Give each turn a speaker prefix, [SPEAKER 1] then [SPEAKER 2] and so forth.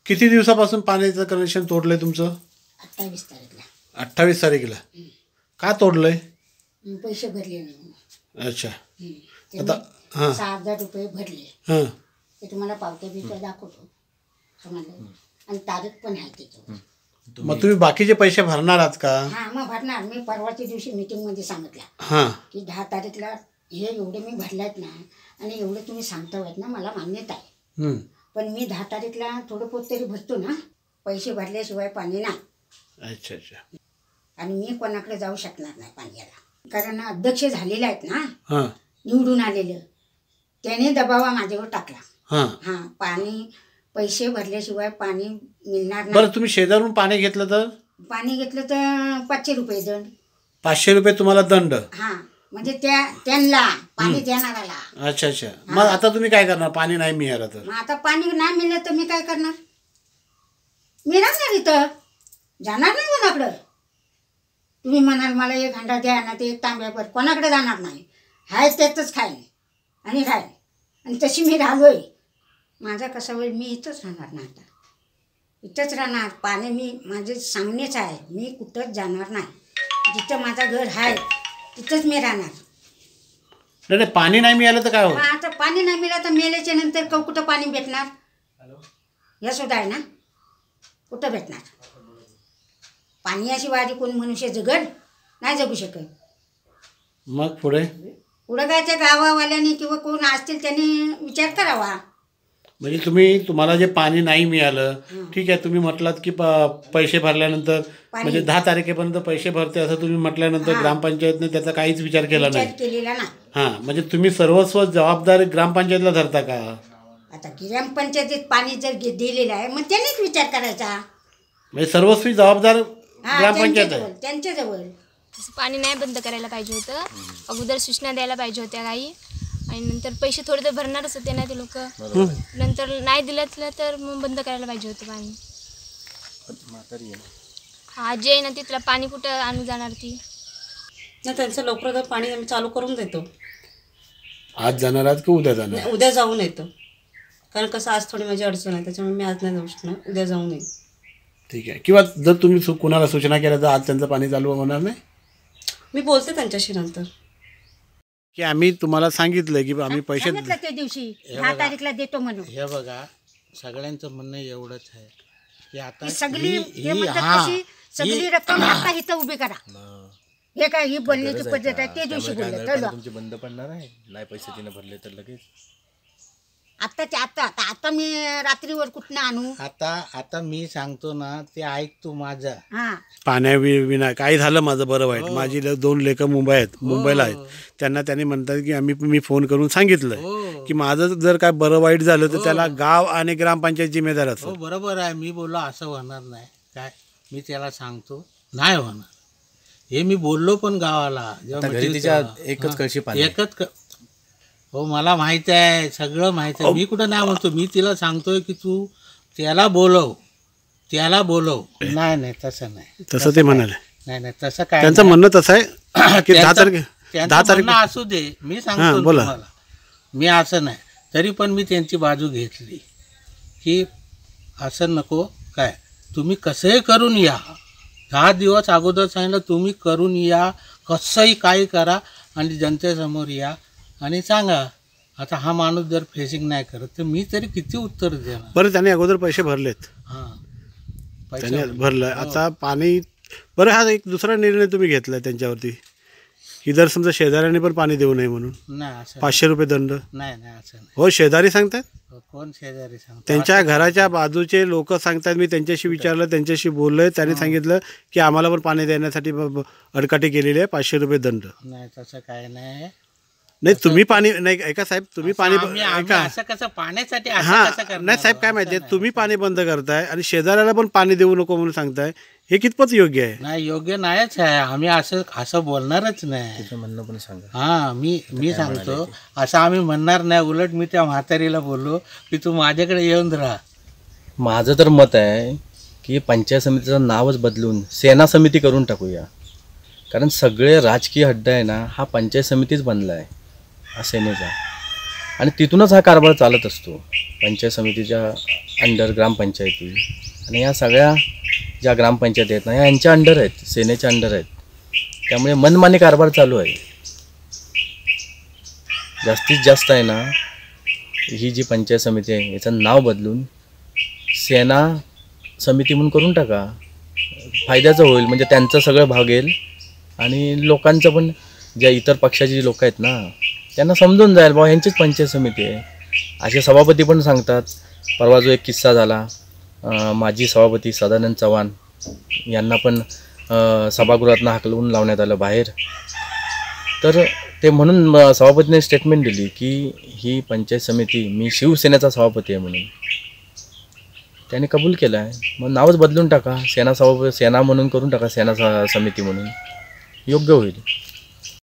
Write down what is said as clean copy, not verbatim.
[SPEAKER 1] किती दिवसापासून पाण्याचं कनेक्शन तोडलंय तुमचं?
[SPEAKER 2] 28 तारीखला.
[SPEAKER 1] 28 तारखेला. का तोडलंय?
[SPEAKER 2] पैसे भरले नाही.
[SPEAKER 1] अच्छा.
[SPEAKER 2] आता 6,000 रुपये भरले.
[SPEAKER 1] हां,
[SPEAKER 2] ते तुम्हाला पावत्या बिवत्या दाखवतो तुम्हाला, आणि तारीख पण आहे त्याच्यावर.
[SPEAKER 1] मग तुम्ही बाकीचे पैसे भरणार आहात का?
[SPEAKER 2] हां, मग भरणार. मी परवाच्या दिवशी मीटिंगमध्ये सांगितलं
[SPEAKER 1] हां,
[SPEAKER 2] की 10 तारीखला हे एवढे मी भरलेत ना, आणि एवढे तुम्ही सांगतायत ना, मला मान्यता आहे. पण मी 10 तारीखला थोडं पोत तरी भरतो ना, पैसे भरल्याशिवाय पाणी नाही.
[SPEAKER 1] अच्छा अच्छा.
[SPEAKER 2] आणि मी कोणाकडे जाऊ शकणार नाही पाण्याला, कारण अध्यक्ष झालेले आहेत ना,
[SPEAKER 1] हां
[SPEAKER 2] निवडून आलेलं, त्याने दबावा माझ्यावर टाकला.
[SPEAKER 1] हां
[SPEAKER 2] हां, पाणी पैसे भरल्याशिवाय पाणी मिळणार
[SPEAKER 1] बरं,
[SPEAKER 2] नाही.
[SPEAKER 1] तुम्ही शेजारून पाणी घेतलं तर?
[SPEAKER 2] पाणी घेतलं तर 500 रुपये दंड.
[SPEAKER 1] 500 रुपये तुम्हाला दंड?
[SPEAKER 2] हां, म्हणजे त्यांना पाणी देणाराला.
[SPEAKER 1] अच्छा अच्छा. मग आता तुम्ही काय करणार पाणी नाही मिळालं तर?
[SPEAKER 2] मग आता पाणी नाही मिळलं तर मी काय करणार? मी राहणार इथं, जाणार नाही कोणाकडं. तुम्ही म्हणाल मला 1 हंडा द्या ना, ते 1 तांब्याभर, कोणाकडे जाणार नाही. हाय त्यातच खाईन आणि राहील. आणि तशी मी राहिलोय. माझा कसा होईल, मी इथंच राहणार ना, आता इथंच राहणार. पाणी मी माझे सामनेच आहे, मी कुठंच जाणार नाही. जिथं माझं घर आहे तिथंच मी राहणार.
[SPEAKER 1] नाही, पाणी नाही मिळालं तर काय
[SPEAKER 2] मग
[SPEAKER 1] होईल?
[SPEAKER 2] आता पाणी नाही मिळालं तर मेल्याच्या नंतर कुठं पाणी भेटणार? हे सुद्धा आहे ना, कुठं भेटणार पाणी? अशी वारी कोण मनुष्य जगल? नाही जगू शकत.
[SPEAKER 1] मग पुढे
[SPEAKER 2] पुढं काय त्या गावावाल्याने किंवा कोण असतील त्यांनी विचार करावा.
[SPEAKER 1] म्हणजे तुम्हाला जे पाणी नाही मिळालं, ठीक आहे, तुम्ही म्हटलात की पैसे भरल्यानंतर म्हणजे 10 तारखेपर्यंत पैसे भरते असं तुम्ही म्हटल्यानंतर ग्रामपंचायतने त्याचा काहीच विचार केला नाही.
[SPEAKER 2] केलेला नाही.
[SPEAKER 1] हां, म्हणजे तुम्ही सर्वस्व जबाबदारी ग्रामपंचायतला धरता का?
[SPEAKER 2] आता ग्रामपंचायतीत पाणी जर दिलेलं आहे मग त्यांनीच विचार करायचा.
[SPEAKER 1] म्हणजे सर्वस्वी जबाबदार ग्रामपंचायत आहे.
[SPEAKER 2] त्यांच्याजवळ
[SPEAKER 3] तसं पाणी नाही बंद करायला पाहिजे होतं. अगोदर सूचना द्यायला पाहिजे होत्या काही, आणि नंतर पैसे थोडे तर भरणारच होते ना ते लोक. नंतर नाही दिलं तर मग बंद करायला पाहिजे होतं पाणी. आजी आहे ना, तिथला पाणी कुठं आणून जाणार ती?
[SPEAKER 4] नाही, त्यांचं लवकर पाणी आम्ही चालू करून देतो.
[SPEAKER 1] आज जाणार आहात की उद्या जाणार?
[SPEAKER 4] उद्या जाऊन येतो, कारण कसं आज थोडी माझी अडचण आहे, त्याच्यामुळे मी आज नाही जाऊ शकणार. उद्या जाऊन येईल.
[SPEAKER 1] ठीक आहे. किंवा जर तुम्ही कुणाला सूचना केल्या तर आज त्यांचं पाणी चालू होणार नाही?
[SPEAKER 4] मी बोलते त्यांच्याशी नंतर
[SPEAKER 1] की आम्ही तुम्हाला सांगितलं की आम्ही पैसे
[SPEAKER 2] सांगितलं त्या दिवशी 10 तारीखला देतो म्हणून.
[SPEAKER 5] हे बघा, सगळ्यांचं म्हणणं एवढंच आहे की आता
[SPEAKER 2] सगळी सगळी रक्कम आता इथं उभी करा. हे काय ही बोलण्याची पद्धत आहे? ते दिवशी बोलले
[SPEAKER 6] तुमचे बंद पडणार आहे, नाही पैसे तिने भरले तर लगेच.
[SPEAKER 2] आता मी रात्रीवर कुठनं आणू?
[SPEAKER 5] आता मी सांगतो ना, ते ऐक तू माझा.
[SPEAKER 1] पाण्याविना काय झालं माझं बरं वाईट. माझी 2 लेकरं मुंबईला आहेत. त्यांनी म्हणतात की मी फोन करून सांगितलं की माझं जर काय बरं वाईट झालं तर त्याला गाव आणि ग्रामपंचायत जिम्मेदार असतो.
[SPEAKER 5] बरोबर आहे. मी बोललो असं होणार नाही काय, मी त्याला सांगतो नाही होणार. हे मी बोललो पण गावाला.
[SPEAKER 6] एकच कळशी पाणी,
[SPEAKER 5] हो मला माहिती आहे, सगळं माहिती आहे. मी कुठं नाही म्हणतो, मी तिला सांगतोय की तू त्याला बोलव. नाही तसं नाही,
[SPEAKER 1] तसं ते म्हणाले.
[SPEAKER 5] नाही तसं काय,
[SPEAKER 1] त्यांचं म्हणणं तसं आहे की 10 तारीख
[SPEAKER 5] असू दे. मी सांगतो तुम्हाला, मी असं नाही, तरी पण मी त्यांची बाजू घेतली की असं नको काय, तुम्ही कसंही करून या. 10 दिवस अगोदर सांगितलं, तुम्ही करून या, कसंही काही करा आणि जनतेसमोर या आणि सांगा. आता हा माणूस जर फेसिंग नाही करत तर मी तरी किती उत्तर देणार?
[SPEAKER 1] बरं, त्याने अगोदर पैसे भरलेत. त्याने भरलं. आता पाणी बरं, हा एक दुसरा निर्णय तुम्ही घेतलाय त्यांच्यावरती की जर समजा शेजाऱ्याने पण पाणी देऊ नये म्हणून
[SPEAKER 5] नाही,
[SPEAKER 1] 500 रुपये दंड.
[SPEAKER 5] नाही असं नाही.
[SPEAKER 1] हो, शेजारी सांगतात.
[SPEAKER 5] कोण शेजारी सांगतात?
[SPEAKER 1] त्यांच्या घराच्या बाजूचे लोक सांगतात. मी त्यांच्याशी विचारलं, त्यांच्याशी बोललोय. त्यांनी सांगितलं की आम्हाला पण पाणी देण्यासाठी अडकाठी केलेली आहे, 500 रुपये दंड.
[SPEAKER 5] नाही तसं काय नाही.
[SPEAKER 1] नाही, तुम्ही पाणी नाही ऐका साहेब, तुम्ही पाणी ऐका.
[SPEAKER 5] असं कसं पाण्यासाठी?
[SPEAKER 1] नाही साहेब, काय माहिती आहे, तुम्ही पाणी बंद करताय आणि शेजाऱ्याला पण पाणी देऊ नको म्हणून सांगताय, हे कितपत योग्य आहे?
[SPEAKER 5] नाही, योग्य नाहीच आहे. आम्ही असं बोलणारच नाही.
[SPEAKER 6] म्हणणं पण सांगा.
[SPEAKER 5] हां, मी सांगतो असं आम्ही म्हणणार नाही. उलट मी त्या म्हातारीला बोललो की तू माझ्याकडे येऊन राहा.
[SPEAKER 6] माझं तर मत आहे की पंचायत समितीचं नावच बदलून सेना समिती करून टाकूया. कारण सगळे राजकीय अड्डा आहे ना, हा पंचायत समितीच बनला आहे हा सेनेचा. आणि तिथूनच हा कारभार चालत असतो. पंचायत समितीच्या अंडर ग्रामपंचायती आणि या सगळ्या ज्या ग्रामपंचायती आहेत ना ह्या यांच्या अंडर आहेत, सेनेच्या अंडर आहेत. त्यामुळे मनमानी कारभार चालू आहे. जास्तीत जास्त आहे ना ही जी पंचायत समिती आहे याचं नाव बदलून सेना समिती म्हणून करून टाका. फायद्याचं होईल, म्हणजे त्यांचं सगळं भागेल आणि लोकांचं पण, ज्या इतर पक्षाची जी लोक आहेत ना त्यांना समजून जाईल बाबा यांचीच पंचायत समिती आहे. असे सभापती पण सांगतात. परवा जो एक किस्सा झाला, माजी सभापती सदानंद चव्हाण यांना पण सभागृहातनं हाकलवून लावण्यात आलं बाहेर. तर ते म्हणून सभापतीने स्टेटमेंट दिली की ही पंचायत समिती, मी शिवसेनेचा सभापती आहे म्हणून त्याने कबूल केलं आहे. मग नावच बदलून टाका, सेना म्हणून करून टाका, सेना समिती म्हणून, योग्य होईल.